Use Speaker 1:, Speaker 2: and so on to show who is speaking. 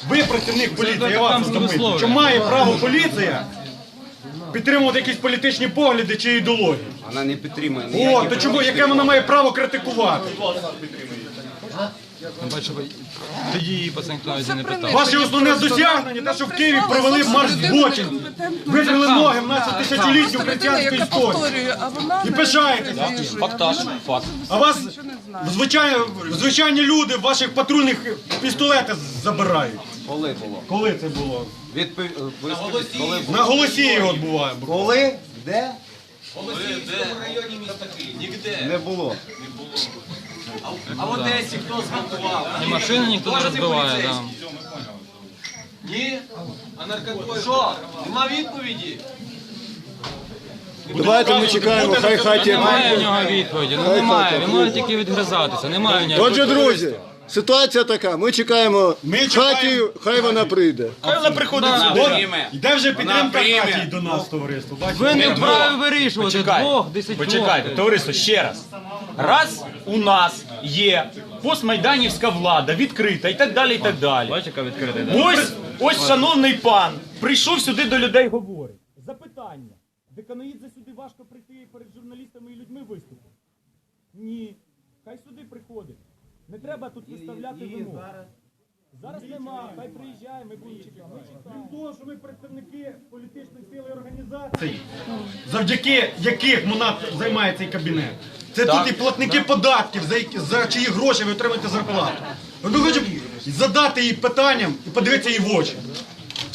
Speaker 1: Ви працівник поліції, я вас запитую. Чи має право поліція підтримувати якісь політичні погляди чи ідеології?
Speaker 2: Вона не підтримує.
Speaker 1: О, то чому, яке вона має право критикувати?
Speaker 3: Тоді її пацан ніхто не питав.
Speaker 1: Ваше основне досягнення, те, що в Києві провели марш злочин, витрили ноги в нашу тисячолітню християнську історію. І пишаєтеся.
Speaker 3: Фактаж, факт.
Speaker 1: А вас звичайні люди ваших патрульних пістолети забирають.
Speaker 2: Коли було?
Speaker 1: Коли це було?
Speaker 2: Коли було?
Speaker 1: На Голосіїв от буває.
Speaker 2: Коли? Де?
Speaker 4: В районі міста Київ. Нігде.
Speaker 2: Не було.
Speaker 4: А в Одесі хто зґвалтував?
Speaker 3: І машини ніхто не розбиває, да.
Speaker 4: Ні? А наркотики? Що? Нема відповіді?
Speaker 5: Давайте ми чекаємо, хай хаті.
Speaker 3: Немає в нього відповіді, ну немає, він може тільки відгризатися, немає в нього.
Speaker 5: Отже, друзі, ситуація така, ми чекаємо хаті, хай вона прийде.
Speaker 1: Хай вона приходить сюди. Йде вже підтримка Хаті до нас, товариство.
Speaker 3: Ви не вправі вирішувати двох, 10
Speaker 6: Почекайте, товариство, ще раз. Раз у нас є постмайданівська влада, відкрита і так далі, і так далі.
Speaker 3: Бачиш, яка відкрита, да?
Speaker 6: Ось шановний пан прийшов сюди до людей, говорить. Запитання. Деканоїдзе сюди важко прийти перед журналістами і людьми виступити? Ні. Хай сюди приходить. Не треба тут виставляти вимоги. Зараз нема, хай приїжджає, ми будемо чекати. Крім того, що ми представники політичних сил і організацій,
Speaker 1: Завдяки яких МОНАТ займає цей кабінет. Це тут і платники податків, за чиї гроші ви отримаєте зарплату. Ми хочемо задати їй питанням і подивитися їй в очі.